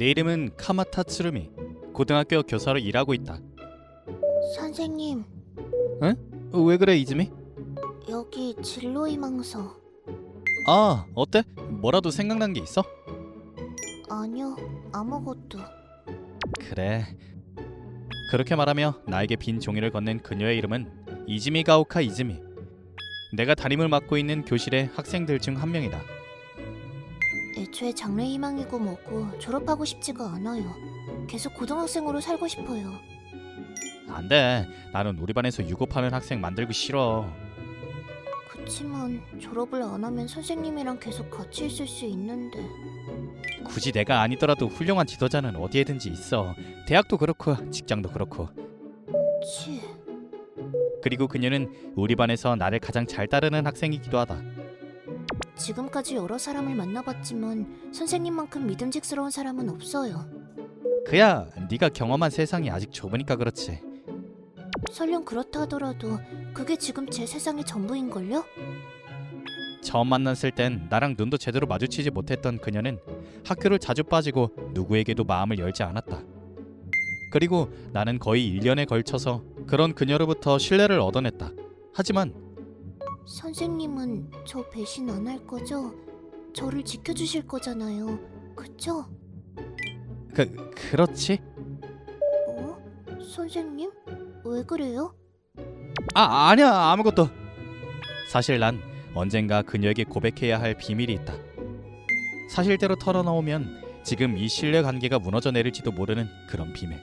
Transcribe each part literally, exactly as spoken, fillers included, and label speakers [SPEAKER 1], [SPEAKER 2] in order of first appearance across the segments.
[SPEAKER 1] 내 이름은 카마타 츠루미. 고등학교 교사로 일하고 있다.
[SPEAKER 2] 선생님,
[SPEAKER 1] 왜 그래 이즈미?
[SPEAKER 2] 여기 진로희망서.
[SPEAKER 1] 아, 어때? 뭐라도 생각난 게 있어?
[SPEAKER 2] 아니요, 아무것도.
[SPEAKER 1] 그래. 그렇게 말하며 나에게 빈 종이를 건넨 그녀의 이름은 이즈미 가오카 이즈미. 내가 담임을 맡고 있는 교실의 학생들 중 한 명이다.
[SPEAKER 2] 애초에 장래희망이고 뭐고 졸업하고 싶지가 않아요. 계속 고등학생으로 살고 싶어요.
[SPEAKER 1] 안 돼. 나는 우리 반에서 유급하는 학생 만들기 싫어.
[SPEAKER 2] 그치만 졸업을 안 하면 선생님이랑 계속 같이 있을 수 있는데.
[SPEAKER 1] 굳이 내가 아니더라도 훌륭한 지도자는 어디에든지 있어. 대학도 그렇고 직장도 그렇고.
[SPEAKER 2] 치,
[SPEAKER 1] 그리고 그녀는 우리 반에서 나를 가장 잘 따르는 학생이기도 하다.
[SPEAKER 2] 지금까지 여러 사람을 만나봤지만 선생님만큼 믿음직스러운 사람은 없어요.
[SPEAKER 1] 그야 네가 경험한 세상이 아직 좁으니까 그렇지.
[SPEAKER 2] 설령 그렇다 하더라도 그게 지금 제 세상의 전부인걸요?
[SPEAKER 1] 처음 만났을 땐 나랑 눈도 제대로 마주치지 못했던 그녀는 학교를 자주 빠지고 누구에게도 마음을 열지 않았다. 그리고 나는 거의 일 년에 걸쳐서 그런 그녀로부터 신뢰를 얻어냈다. 하지만
[SPEAKER 2] 선생님은 저 배신 안 할 거죠? 저를 지켜주실 거잖아요. 그쵸?
[SPEAKER 1] 그 그렇지?
[SPEAKER 2] 어? 선생님? 왜 그래요?
[SPEAKER 1] 아 아니야 아무것도. 사실 난 언젠가 그녀에게 고백해야 할 비밀이 있다. 사실대로 털어놓으면 지금 이 신뢰 관계가 무너져 내릴지도 모르는 그런 비밀.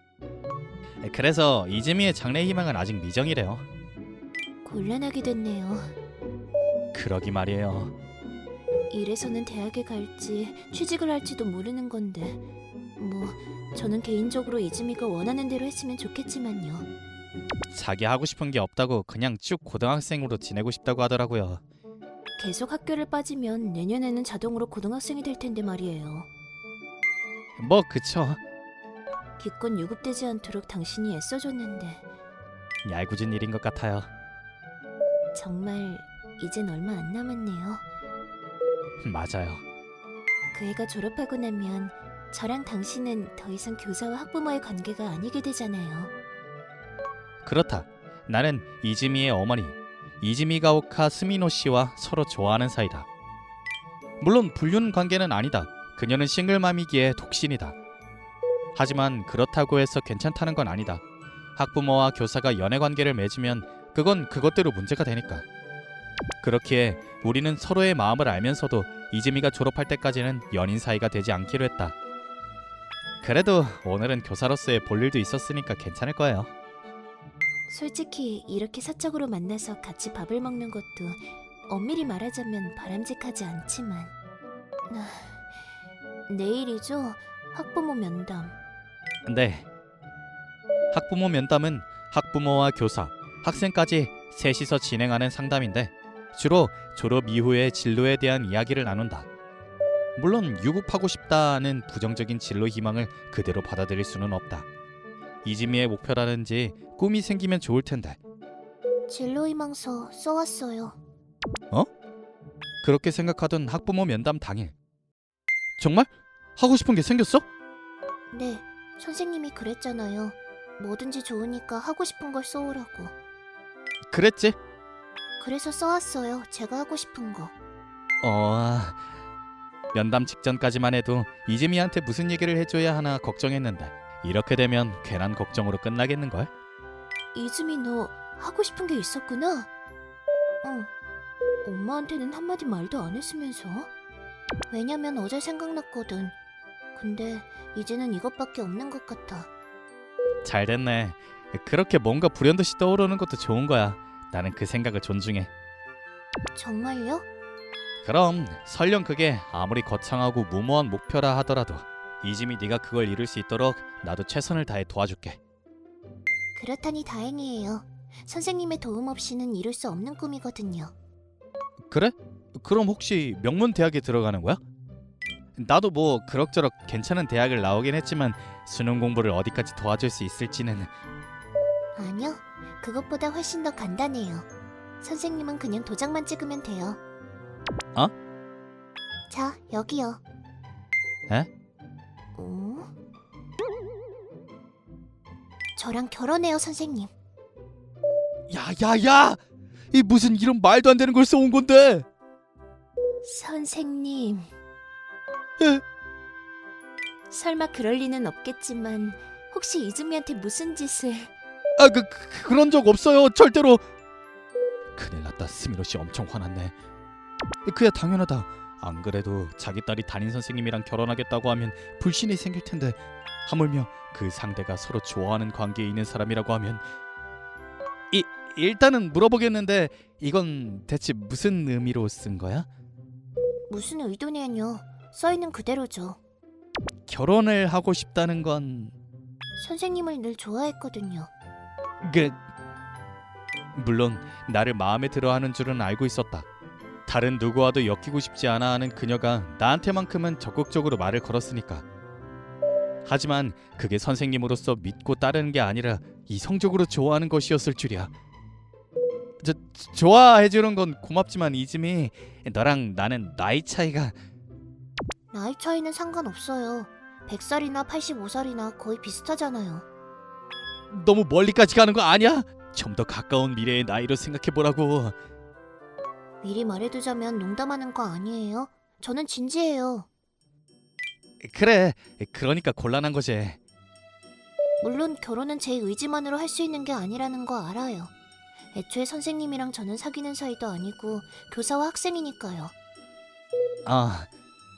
[SPEAKER 1] 그래서 이즈미의 장래 희망은 아직 미정이래요.
[SPEAKER 2] 곤란하게 됐네요.
[SPEAKER 1] 그러기 말이에요.
[SPEAKER 2] 이래서는 대학에 갈지 취직을 할지도 모르는 건데 뭐 저는 개인적으로 이즈미가 원하는 대로 했으면 좋겠지만요.
[SPEAKER 1] 자기 하고 싶은 게 없다고 그냥 쭉 고등학생으로 지내고 싶다고 하더라고요.
[SPEAKER 2] 계속 학교를 빠지면 내년에는 자동으로 고등학생이 될 텐데 말이에요.
[SPEAKER 1] 뭐 그쵸.
[SPEAKER 2] 기껏 유급되지 않도록 당신이 애써줬는데
[SPEAKER 1] 얄궂은 일인 것 같아요.
[SPEAKER 2] 정말 이젠 얼마 안 남았네요.
[SPEAKER 1] 맞아요.
[SPEAKER 2] 그 애가 졸업하고 나면 저랑 당신은 더 이상 교사와 학부모의 관계가 아니게 되잖아요.
[SPEAKER 1] 그렇다. 나는 이즈미의 어머니 이즈미 가오카 스미노 씨와 서로 좋아하는 사이다. 물론 불륜 관계는 아니다. 그녀는 싱글맘이기에 독신이다. 하지만 그렇다고 해서 괜찮다는 건 아니다. 학부모와 교사가 연애 관계를 맺으면 그건 그것대로 문제가 되니까. 그렇기에 우리는 서로의 마음을 알면서도 이즈미가 졸업할 때까지는 연인 사이가 되지 않기로 했다. 그래도 오늘은 교사로서의 볼 일도 있었으니까 괜찮을 거예요.
[SPEAKER 2] 솔직히 이렇게 사적으로 만나서 같이 밥을 먹는 것도 엄밀히 말하자면 바람직하지 않지만 아, 내일이죠? 학부모 면담.
[SPEAKER 1] 네. 학부모 면담은 학부모와 교사, 학생까지 셋이서 진행하는 상담인데 주로 졸업 이후의 진로에 대한 이야기를 나눈다. 물론 유급하고 싶다는 부정적인 진로 희망을 그대로 받아들일 수는 없다. 이즈미의 목표라든지 꿈이 생기면 좋을 텐데.
[SPEAKER 2] 진로희망서 써왔어요.
[SPEAKER 1] 그렇게 생각하던 학부모 면담 당일. 정말? 하고 싶은 게 생겼어?
[SPEAKER 2] 네, 선생님이 그랬잖아요. 뭐든지 좋으니까 하고 싶은 걸 써오라고.
[SPEAKER 1] 그랬지?
[SPEAKER 2] 그래서 써왔어요. 제가 하고 싶은 거.
[SPEAKER 1] 어... 면담 직전까지만 해도 이즈미한테 무슨 얘기를 해줘야 하나 걱정했는데 이렇게 되면 괜한 걱정으로 끝나겠는걸?
[SPEAKER 2] 이즈미 너 하고 싶은 게 있었구나? 응. 엄마한테는 한마디 말도 안 했으면서? 왜냐면 어제 생각났거든. 근데 이제는 이것밖에 없는 것 같아.
[SPEAKER 1] 잘 됐네. 그렇게 뭔가 불현듯이 떠오르는 것도 좋은 거야. 나는 그 생각을 존중해.
[SPEAKER 2] 정말요?
[SPEAKER 1] 그럼 설령 그게 아무리 거창하고 무모한 목표라 하더라도 이즈미 네가 그걸 이룰 수 있도록 나도 최선을 다해 도와줄게.
[SPEAKER 2] 그렇다니 다행이에요. 선생님의 도움 없이는 이룰 수 없는 꿈이거든요.
[SPEAKER 1] 그래? 그럼 혹시 명문 대학에 들어가는 거야? 나도 뭐 그럭저럭 괜찮은 대학을 나오긴 했지만 수능 공부를 어디까지 도와줄 수 있을지는.
[SPEAKER 2] 아니요. 그것보다 훨씬 더 간단해요. 선생님은 그냥 도장만 찍으면 돼요.
[SPEAKER 1] 어?
[SPEAKER 2] 자, 여기요.
[SPEAKER 1] 에?
[SPEAKER 2] 어? 저랑 결혼해요, 선생님.
[SPEAKER 1] 야야야! 이 무슨 이런 말도 안 되는 걸 써온 건데?
[SPEAKER 2] 선생님.
[SPEAKER 1] 에?
[SPEAKER 2] 설마 그럴 리는 없겠지만 혹시 이즈미한테 무슨 짓을...
[SPEAKER 1] 아, 그, 그 그런 적 없어요. 절대로. 큰일 났다. 스미노 씨 엄청 화났네. 그야 당연하다. 안 그래도 자기 딸이 담임 선생님이랑 결혼하겠다고 하면 불신이 생길 텐데 하물며 그 상대가 서로 좋아하는 관계에 있는 사람이라고 하면 이 일단은 물어보겠는데 이건 대체 무슨 의미로 쓴 거야?
[SPEAKER 2] 무슨 의도냐뇨. 써있는 그대로죠.
[SPEAKER 1] 결혼을 하고 싶다는 건
[SPEAKER 2] 선생님을 늘 좋아했거든요.
[SPEAKER 1] 그 물론 나를 마음에 들어하는 줄은 알고 있었다. 다른 누구와도 엮이고 싶지 않아 하는 그녀가 나한테만큼은 적극적으로 말을 걸었으니까. 하지만 그게 선생님으로서 믿고 따르는 게 아니라 이성적으로 좋아하는 것이었을 줄이야. 저, 좋아해주는 건 고맙지만 이즈미, 너랑 나는 나이 차이가...
[SPEAKER 2] 나이 차이는 상관없어요. 백 살이나 팔십오 살이나 거의 비슷하잖아요.
[SPEAKER 1] 너무 멀리까지 가는 거 아니야? 좀 더 가까운 미래의 나이로 생각해보라고.
[SPEAKER 2] 미리 말해두자면 농담하는 거 아니에요? 저는 진지해요.
[SPEAKER 1] 그래, 그러니까 곤란한 거지.
[SPEAKER 2] 물론 결혼은 제 의지만으로 할 수 있는 게 아니라는 거 알아요. 애초에 선생님이랑 저는 사귀는 사이도 아니고 교사와 학생이니까요.
[SPEAKER 1] 아,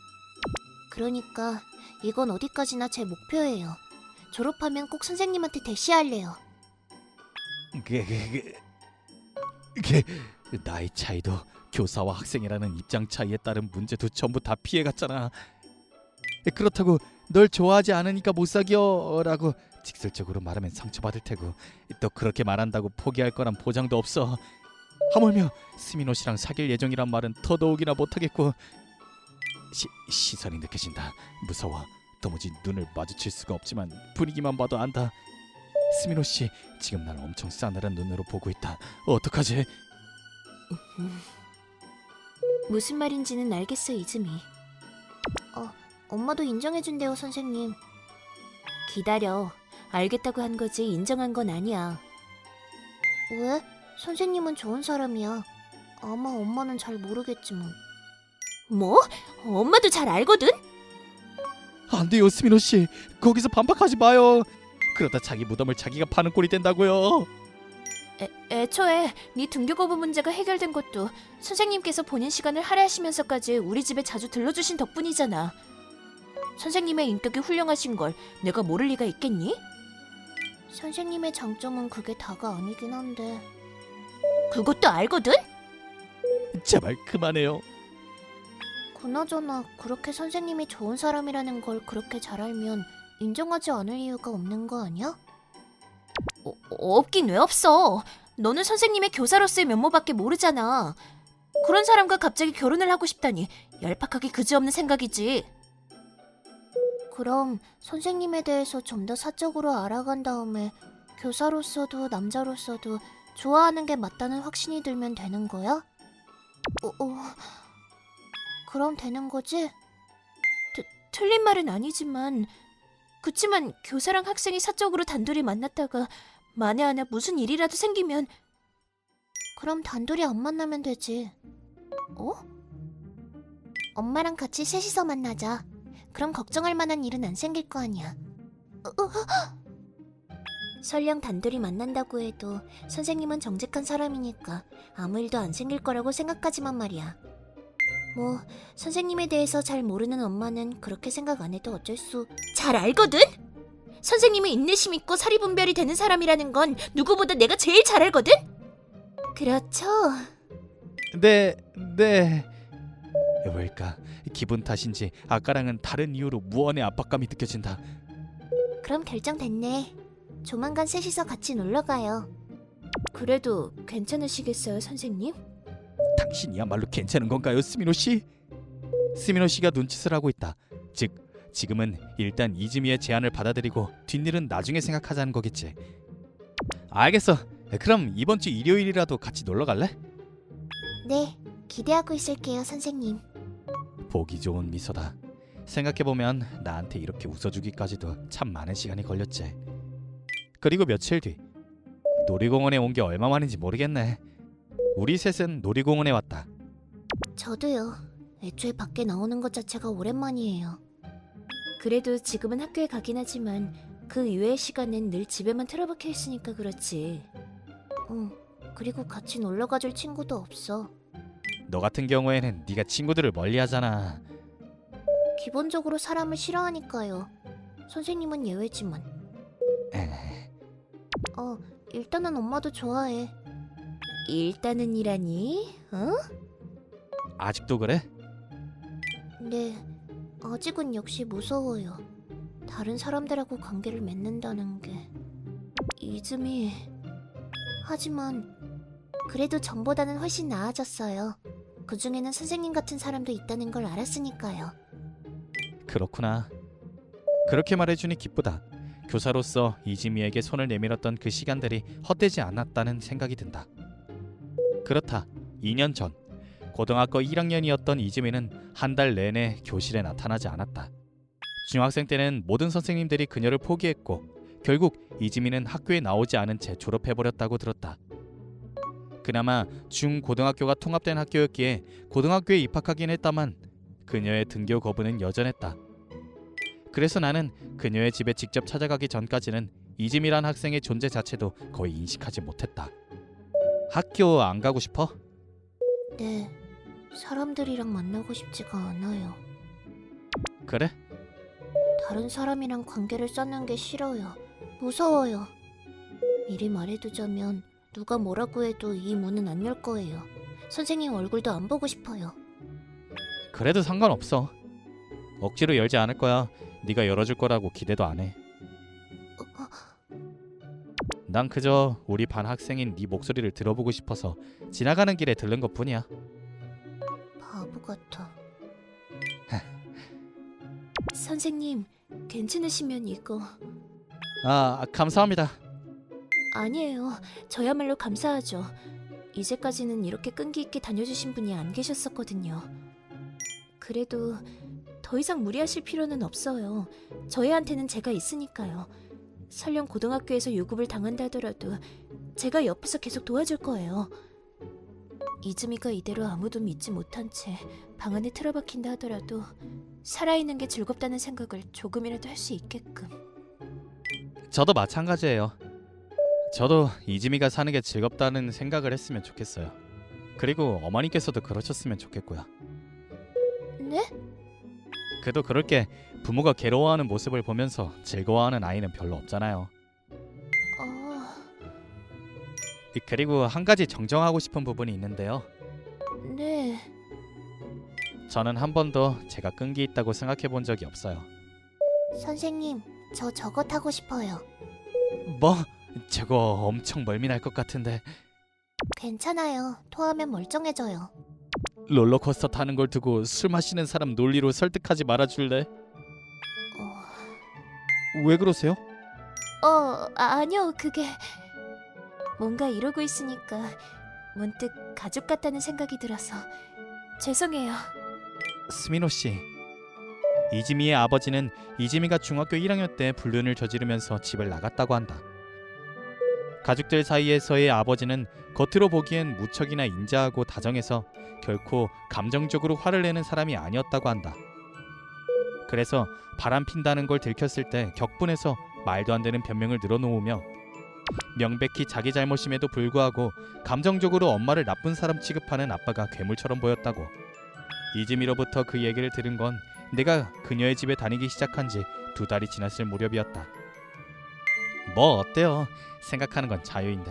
[SPEAKER 2] 그러니까 이건 어디까지나 제 목표예요. 졸업하면 꼭 선생님한테 대시할래요.
[SPEAKER 1] 그, 그, 그, 그 나이 차이도 교사와 학생이라는 입장 차이에 따른 문제도 전부 다 피해갔잖아. 그렇다고 널 좋아하지 않으니까 못 사귀어라고 직설적으로 말하면 상처받을 테고 또 그렇게 말한다고 포기할 거란 보장도 없어. 하물며 스미노 씨랑 사귈 예정이란 말은 더더욱이나 못하겠고. 시, 시선이 느껴진다. 무서워. 도무지 눈을 마주칠 수가 없지만 분위기만 봐도 안다. 스미노 씨 지금 날 엄청 싸늘한 눈으로 보고 있다. 어떡하지?
[SPEAKER 2] 무슨 말인지는 알겠어, 이즈미. 어, 엄마도 인정해준대요, 선생님. 기다려. 알겠다고 한 거지 인정한 건 아니야. 왜? 선생님은 좋은 사람이야. 아마 엄마는 잘 모르겠지만. 뭐? 엄마도 잘 알거든?
[SPEAKER 1] 안 돼요, 스미노 씨. 거기서 반박하지 마요. 그러다 자기 무덤을 자기가 파는 꼴이 된다고요.
[SPEAKER 2] 애, 애초에 네 등교 거부 문제가 해결된 것도 선생님께서 본인 시간을 할애하시면서까지 우리 집에 자주 들러주신 덕분이잖아. 선생님의 인격이 훌륭하신 걸 내가 모를 리가 있겠니? 선생님의 장점은 그게 다가 아니긴 한데. 그것도 알거든?
[SPEAKER 1] 제발 그만해요.
[SPEAKER 2] 그나저나 그렇게 선생님이 좋은 사람이라는 걸 그렇게 잘 알면 인정하지 않을 이유가 없는 거 아니야? 어, 없긴 왜 없어. 너는 선생님의 교사로서의 면모밖에 모르잖아. 그런 사람과 갑자기 결혼을 하고 싶다니 얄팍하게 그지없는 생각이지. 그럼 선생님에 대해서 좀 더 사적으로 알아간 다음에 교사로서도 남자로서도 좋아하는 게 맞다는 확신이 들면 되는 거야? 어, 어... 그럼 되는 거지? 트, 틀린 말은 아니지만 그치만 교사랑 학생이 사적으로 단둘이 만났다가 만에 하나 무슨 일이라도 생기면 그럼 단둘이 안 만나면 되지. 어? 엄마랑 같이 셋이서 만나자. 그럼 걱정할 만한 일은 안 생길 거 아니야. 어, 어, 설령 단둘이 만난다고 해도 선생님은 정직한 사람이니까 아무 일도 안 생길 거라고 생각하지만 말이야. 뭐 선생님에 대해서 잘 모르는 엄마는 그렇게 생각 안 해도 어쩔 수... 잘 알거든? 선생님이 인내심 있고 사리분별이 되는 사람이라는 건 누구보다 내가 제일 잘 알거든? 그렇죠.
[SPEAKER 1] 네, 네. 왜일까? 기분 탓인지 아까랑은 다른 이유로 무언의 압박감이 느껴진다.
[SPEAKER 2] 그럼 결정됐네. 조만간 셋이서 같이 놀러가요. 그래도 괜찮으시겠어요, 선생님?
[SPEAKER 1] 당신이야말로 괜찮은 건가요, 스미노 씨? 스미노 씨가 눈짓을 하고 있다. 즉, 지금은 일단 이즈미의 제안을 받아들이고 뒷일은 나중에 생각하자는 거겠지. 알겠어. 그럼 이번 주 일요일이라도 같이 놀러 갈래?
[SPEAKER 2] 네, 기대하고 있을게요, 선생님.
[SPEAKER 1] 보기 좋은 미소다. 생각해보면 나한테 이렇게 웃어주기까지도 참 많은 시간이 걸렸지. 그리고 며칠 뒤 놀이공원에 온 게 얼마 만인지 모르겠네. 우리 셋은 놀이공원에 왔다.
[SPEAKER 2] 저도요. 애초에 밖에 나오는 것 자체가 오랜만이에요. 그래도 지금은 학교에 가긴 하지만 그 이외의 시간엔 늘 집에만 틀어박혀 있으니까 그렇지. 응. 그리고 같이 놀러 가줄 친구도 없어.
[SPEAKER 1] 너 같은 경우에는 네가 친구들을 멀리하잖아.
[SPEAKER 2] 기본적으로 사람을 싫어하니까요. 선생님은 예외지만.
[SPEAKER 1] 에...
[SPEAKER 2] 어, 일단은 엄마도 좋아해. 일단은 이라니? 어?
[SPEAKER 1] 아직도 그래?
[SPEAKER 2] 네, 아직은 역시 무서워요. 다른 사람들하고 관계를 맺는다는 게. 이즈미... 하지만 그래도 전보다는 훨씬 나아졌어요. 그중에는 선생님 같은 사람도 있다는 걸 알았으니까요.
[SPEAKER 1] 그렇구나. 그렇게 말해주니 기쁘다. 교사로서 이지미에게 손을 내밀었던 그 시간들이 헛되지 않았다는 생각이 든다. 그렇다. 이 년 전 고등학교 일 학년이었던 이지미는 한 달 내내 교실에 나타나지 않았다. 중학생 때는 모든 선생님들이 그녀를 포기했고 결국 이지미는 학교에 나오지 않은 채 졸업해버렸다고 들었다. 그나마 중고등학교가 통합된 학교였기에 고등학교에 입학하긴 했다만 그녀의 등교 거부는 여전했다. 그래서 나는 그녀의 집에 직접 찾아가기 전까지는 이지미란 학생의 존재 자체도 거의 인식하지 못했다. 학교 안 가고 싶어?
[SPEAKER 2] 네, 사람들이랑 만나고 싶지가 않아요.
[SPEAKER 1] 그래?
[SPEAKER 2] 다른 사람이랑 관계를 쌓는 게 싫어요. 무서워요. 미리 말해두자면 누가 뭐라고 해도 이 문은 안 열 거예요. 선생님 얼굴도 안 보고 싶어요.
[SPEAKER 1] 그래도 상관없어. 억지로 열지 않을 거야. 네가 열어줄 거라고 기대도 안 해. 난 그저 우리 반 학생인 네 목소리를 들어보고 싶어서 지나가는 길에 들른 것뿐이야.
[SPEAKER 2] 바보 같아. 선생님, 괜찮으시면 이거...
[SPEAKER 1] 아, 감사합니다.
[SPEAKER 2] 아니에요. 저야말로 감사하죠. 이제까지는 이렇게 끈기 있게 다녀주신 분이 안 계셨었거든요. 그래도 더 이상 무리하실 필요는 없어요. 저희한테는 제가 있으니까요. 설령 고등학교에서 유급을 당한다 하더라도 제가 옆에서 계속 도와줄 거예요. 이즈미가 이대로 아무도 믿지 못한 채 방 안에 틀어박힌다 하더라도 살아있는 게 즐겁다는 생각을 조금이라도 할 수 있게끔.
[SPEAKER 1] 저도 마찬가지예요. 저도 이지미가 사는 게 즐겁다는 생각을 했으면 좋겠어요. 그리고 어머니께서도 그러셨으면 좋겠고요.
[SPEAKER 2] 네?
[SPEAKER 1] 그래도 그렇게 부모가 괴로워하는 모습을 보면서 즐거워하는 아이는 별로 없잖아요.
[SPEAKER 2] 어...
[SPEAKER 1] 그리고 한 가지 정정하고 싶은 부분이 있는데요.
[SPEAKER 2] 네...
[SPEAKER 1] 저는 한 번도 제가 끈기 있다고 생각해 본 적이 없어요.
[SPEAKER 2] 선생님, 저 저거 타고 싶어요.
[SPEAKER 1] 뭐? 저거 엄청 멀미날 것 같은데.
[SPEAKER 2] 괜찮아요. 토하면 멀쩡해져요.
[SPEAKER 1] 롤러코스터 타는 걸 두고 술 마시는 사람 논리로 설득하지 말아줄래?
[SPEAKER 2] 어...
[SPEAKER 1] 왜 그러세요?
[SPEAKER 2] 어, 아, 아니요. 그게... 뭔가 이러고 있으니까 문득 가족 같다는 생각이 들어서 죄송해요.
[SPEAKER 1] 스미노 씨, 이지미의 아버지는 이지미가 중학교 일 학년 때 불륜을 저지르면서 집을 나갔다고 한다. 가족들 사이에서의 아버지는 겉으로 보기엔 무척이나 인자하고 다정해서 결코 감정적으로 화를 내는 사람이 아니었다고 한다. 그래서 바람 핀다는 걸 들켰을 때 격분해서 말도 안 되는 변명을 늘어놓으며 명백히 자기 잘못임에도 불구하고 감정적으로 엄마를 나쁜 사람 취급하는 아빠가 괴물처럼 보였다고. 이즈미로부터 그 얘기를 들은 건 내가 그녀의 집에 다니기 시작한 지 두 달이 지났을 무렵이었다. 뭐 어때요? 생각하는 건 자유인데.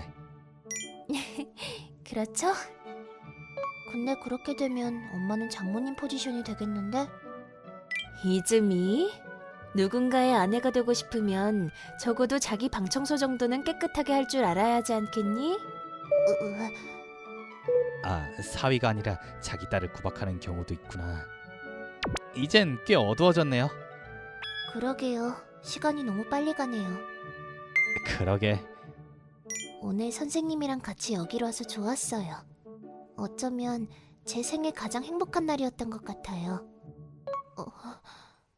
[SPEAKER 2] 그렇죠? 근데 그렇게 되면 엄마는 장모님 포지션이 되겠는데? 이즈미? 누군가의 아내가 되고 싶으면 적어도 자기 방 청소 정도는 깨끗하게 할 줄 알아야 하지 않겠니? 으, 으.
[SPEAKER 1] 아, 사위가 아니라 자기 딸을 구박하는 경우도 있구나. 이젠 꽤 어두워졌네요.
[SPEAKER 2] 그러게요. 시간이 너무 빨리 가네요.
[SPEAKER 1] 그러게.
[SPEAKER 2] 오늘 선생님이랑 같이 여기로 와서 좋았어요. 어쩌면 제 생애 가장 행복한 날이었던 것 같아요. 어,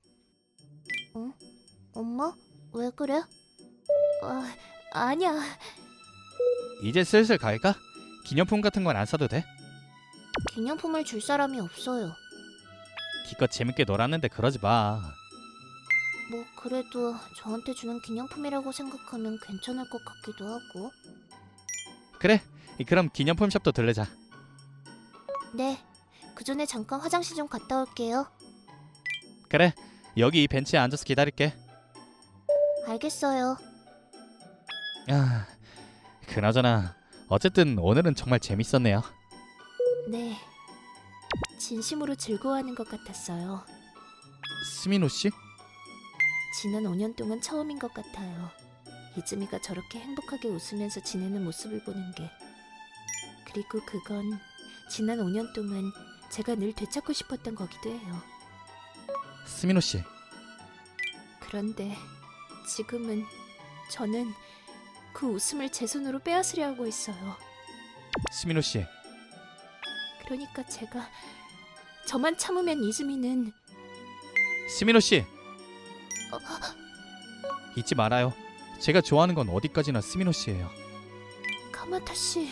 [SPEAKER 2] 엄마? 왜 그래? 아, 아니야.
[SPEAKER 1] 이제 슬슬 갈까? 기념품 같은 건 안 사도 돼?
[SPEAKER 2] 기념품을 줄 사람이 없어요.
[SPEAKER 1] 기껏 재밌게 놀았는데 그러지 마.
[SPEAKER 2] 뭐 그래도 저한테 주는 기념품이라고 생각하면 괜찮을 것 같기도 하고.
[SPEAKER 1] 그래, 그럼 기념품 샵도 들르자.
[SPEAKER 2] 네. 그 전에 잠깐 화장실 좀 갔다 올게요.
[SPEAKER 1] 그래, 여기 이 벤치에 앉아서 기다릴게.
[SPEAKER 2] 알겠어요.
[SPEAKER 1] 아, 그나저나 어쨌든 오늘은 정말 재밌었네요.
[SPEAKER 2] 네. 진심으로 즐거워하는 것 같았어요.
[SPEAKER 1] 스미노 씨?
[SPEAKER 2] 지난 오 년 동안 처음인 것 같아요. 이즈미가 저렇게 행복하게 웃으면서 지내는 모습을 보는 게. 그리고 그건 지난 오 년 동안 제가 늘 되찾고 싶었던 거기도 해요.
[SPEAKER 1] 스미노 씨.
[SPEAKER 2] 그런데 지금은 저는 그 웃음을 제 손으로 빼앗으려 하고 있어요.
[SPEAKER 1] 스미노 씨.
[SPEAKER 2] 그러니까 제가 저만 참으면 이즈미는
[SPEAKER 1] 스미노 씨.
[SPEAKER 2] 어,
[SPEAKER 1] 잊지 말아요. 제가 좋아하는 건 어디까지나 스미노 씨예요.
[SPEAKER 2] 카마타 씨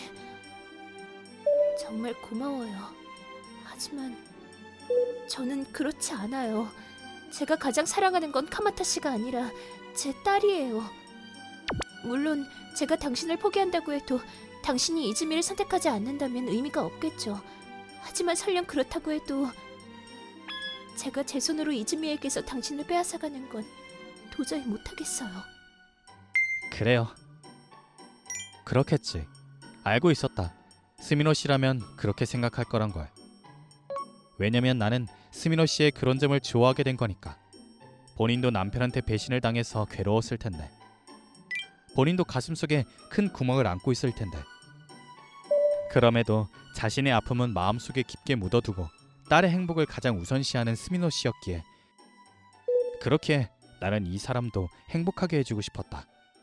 [SPEAKER 2] 정말 고마워요. 하지만 저는 그렇지 않아요. 제가 가장 사랑하는 건 카마타 씨가 아니라 제 딸이에요. 물론 제가 당신을 포기한다고 해도 당신이 이즈미를 선택하지 않는다면 의미가 없겠죠. 하지만 설령 그렇다고 해도 제가 제 손으로 이즈미에게서 당신을 빼앗아가는 건 도저히 못하겠어요.
[SPEAKER 1] 그래요. 그렇겠지. 알고 있었다. 스미노 씨라면 그렇게 생각할 거란 걸. 왜냐면 나는 스미노 씨의 그런 점을 좋아하게 된 거니까. 본인도 남편한테 배신을 당해서 괴로웠을 텐데. 본인도 가슴속에 큰 구멍을 안고 있을 텐데. 그럼에도 자신의 아픔은 마음속에 깊게 묻어두고 딸의 행복을 가장 우선시하는 스미노 씨였기에 그렇게 나는 이 사람도 행복하게 해주고 싶었다.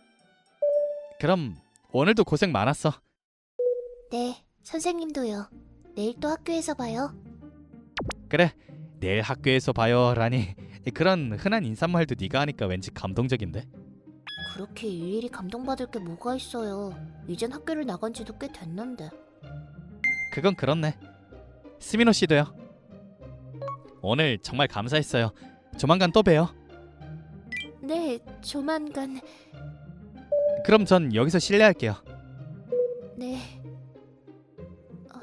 [SPEAKER 1] 그럼 오늘도 고생 많았어.
[SPEAKER 2] 네, 선생님도요. 내일 또 학교에서 봐요.
[SPEAKER 1] 그래, 내일 학교에서 봐요라니 그런 흔한 인사말도 네가 하니까 왠지 감동적인데.
[SPEAKER 2] 그렇게 일일이 감동받을 게 뭐가 있어요. 이젠 학교를 나간 지도 꽤 됐는데.
[SPEAKER 1] 그건 그렇네. 스미노 씨도요. 오늘 정말 감사했어요. 조만간 또 봬요.
[SPEAKER 2] 네, 조만간.
[SPEAKER 1] 그럼 전 여기서 실례할게요.
[SPEAKER 2] 네. 어...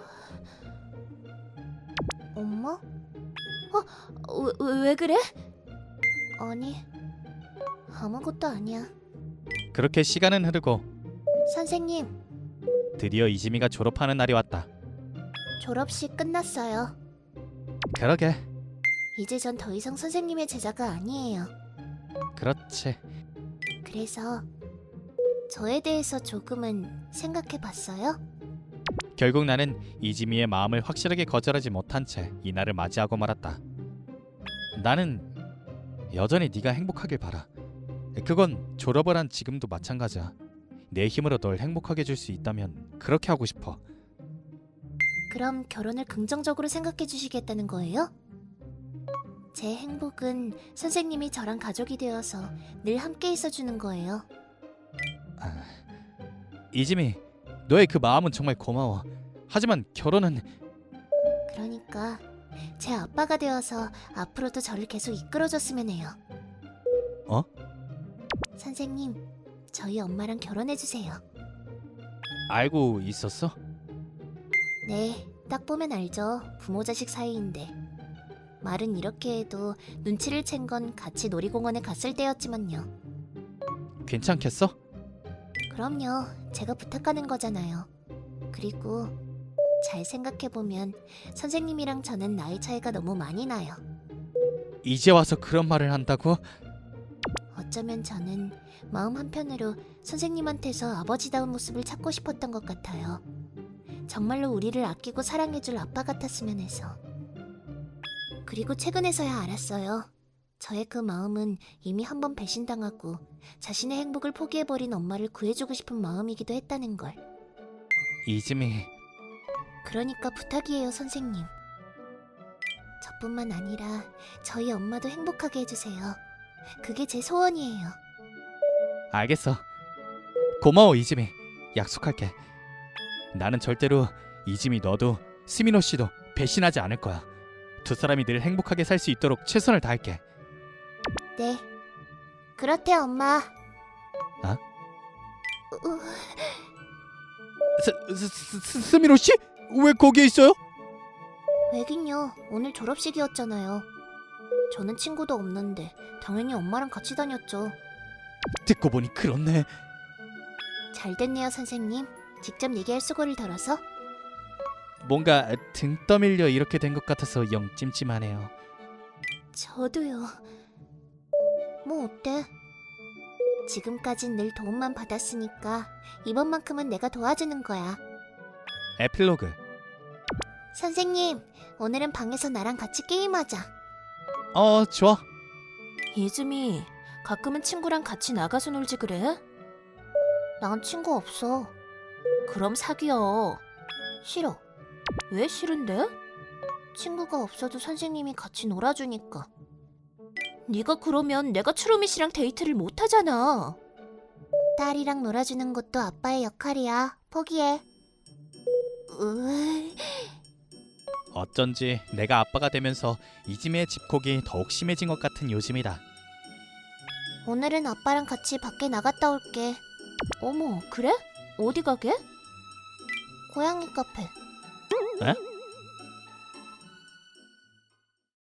[SPEAKER 2] 엄마? 어? 왜, 왜 그래? 아니, 아무것도 아니야.
[SPEAKER 1] 그렇게 시간은 흐르고
[SPEAKER 2] 선생님,
[SPEAKER 1] 드디어 이지미가 졸업하는 날이 왔다.
[SPEAKER 2] 졸업식 끝났어요.
[SPEAKER 1] 그러게.
[SPEAKER 2] 이제 전 더 이상 선생님의 제자가 아니에요.
[SPEAKER 1] 그렇지.
[SPEAKER 2] 그래서 저에 대해서 조금은 생각해 봤어요?
[SPEAKER 1] 결국 나는 이지미의 마음을 확실하게 거절하지 못한 채 이날을 맞이하고 말았다. 나는 여전히 네가 행복하길 바라. 그건 졸업을 한 지금도 마찬가지야. 내 힘으로 널 행복하게 해줄 수 있다면 그렇게 하고 싶어.
[SPEAKER 2] 그럼 결혼을 긍정적으로 생각해 주시겠다는 거예요? 제 행복은 선생님이 저랑 가족이 되어서 늘 함께 있어주는 거예요.
[SPEAKER 1] 아, 이지미, 너의 그 마음은 정말 고마워. 하지만 결혼은...
[SPEAKER 2] 그러니까 제 아빠가 되어서 앞으로도 저를 계속 이끌어줬으면 해요.
[SPEAKER 1] 어?
[SPEAKER 2] 선생님, 저희 엄마랑 결혼해주세요.
[SPEAKER 1] 알고 있었어?
[SPEAKER 2] 네, 딱 보면 알죠. 부모 자식 사이인데. 말은 이렇게 해도 눈치를 챈 건 같이 놀이공원에 갔을 때였지만요.
[SPEAKER 1] 괜찮겠어?
[SPEAKER 2] 그럼요. 제가 부탁하는 거잖아요. 그리고 잘 생각해보면 선생님이랑 저는 나이 차이가 너무 많이 나요.
[SPEAKER 1] 이제 와서 그런 말을 한다고?
[SPEAKER 2] 어쩌면 저는 마음 한편으로 선생님한테서 아버지다운 모습을 찾고 싶었던 것 같아요. 정말로 우리를 아끼고 사랑해줄 아빠 같았으면 해서. 그리고 최근에서야 알았어요. 저의 그 마음은 이미 한 번 배신당하고 자신의 행복을 포기해버린 엄마를 구해주고 싶은 마음이기도 했다는 걸.
[SPEAKER 1] 이지미...
[SPEAKER 2] 그러니까 부탁이에요, 선생님. 저뿐만 아니라 저희 엄마도 행복하게 해주세요. 그게 제 소원이에요.
[SPEAKER 1] 알겠어. 고마워 이지미. 약속할게. 나는 절대로 이지미 너도 스미노 씨도 배신하지 않을 거야. 두 사람이 늘 행복하게 살 수 있도록 최선을 다할게.
[SPEAKER 2] 네. 그렇대, 엄마.
[SPEAKER 1] 아?
[SPEAKER 2] 으,
[SPEAKER 1] 스, 스, 스, 스, 스미노 씨? 왜 거기에 있어요?
[SPEAKER 2] 왜긴요. 오늘 졸업식이었잖아요. 저는 친구도 없는데 당연히 엄마랑 같이 다녔죠.
[SPEAKER 1] 듣고 보니 그렇네.
[SPEAKER 2] 잘 됐네요, 선생님. 직접 얘기할 수고를 덜어서.
[SPEAKER 1] 뭔가 등 떠밀려 이렇게 된 것 같아서 영 찜찜하네요.
[SPEAKER 2] 저도요. 뭐 어때? 지금까진 늘 도움만 받았으니까 이번만큼은 내가 도와주는 거야.
[SPEAKER 1] 에필로그.
[SPEAKER 2] 선생님, 오늘은 방에서 나랑 같이 게임하자.
[SPEAKER 1] 어, 좋아.
[SPEAKER 2] 이즈미, 가끔은 친구랑 같이 나가서 놀지 그래? 난 친구 없어. 그럼 사귀어. 싫어. 왜 싫은데? 친구가 없어도 선생님이 같이 놀아주니까. 네가 그러면 내가 추루미 씨랑 데이트를 못 하잖아. 딸이랑 놀아주는 것도 아빠의 역할이야. 포기해. 으...
[SPEAKER 1] 어쩐지 내가 아빠가 되면서 이지미의 집콕이 더욱 심해진 것 같은 요즘이다.
[SPEAKER 2] 오늘은 아빠랑 같이 밖에 나갔다 올게. 어머, 그래? 어디 가게? 고양이 카페.
[SPEAKER 1] 에?